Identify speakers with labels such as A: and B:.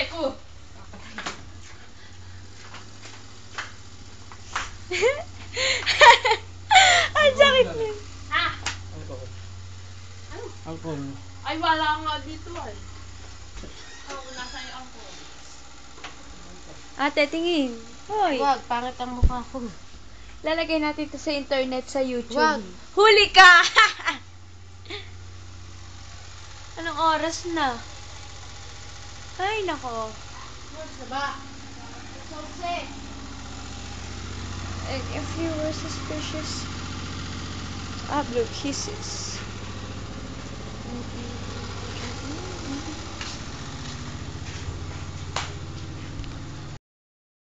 A: Aray ko!
B: Ang sakit niya.
A: Ha?
C: Alcohol.
A: Ano?
C: Alcohol.
A: Ay, wala nga dito ay. Oh, nasa yung angko.
B: Ate, tingin. Hoy.
D: Wag, pangit ang mukha ko.
B: Lalagay natin ito sa internet, sa YouTube.
D: Wag.
B: Huli ka! Anong oras na? Ay, nako.
A: What's the ba? Sose.
B: And if you were suspicious, upload kisses.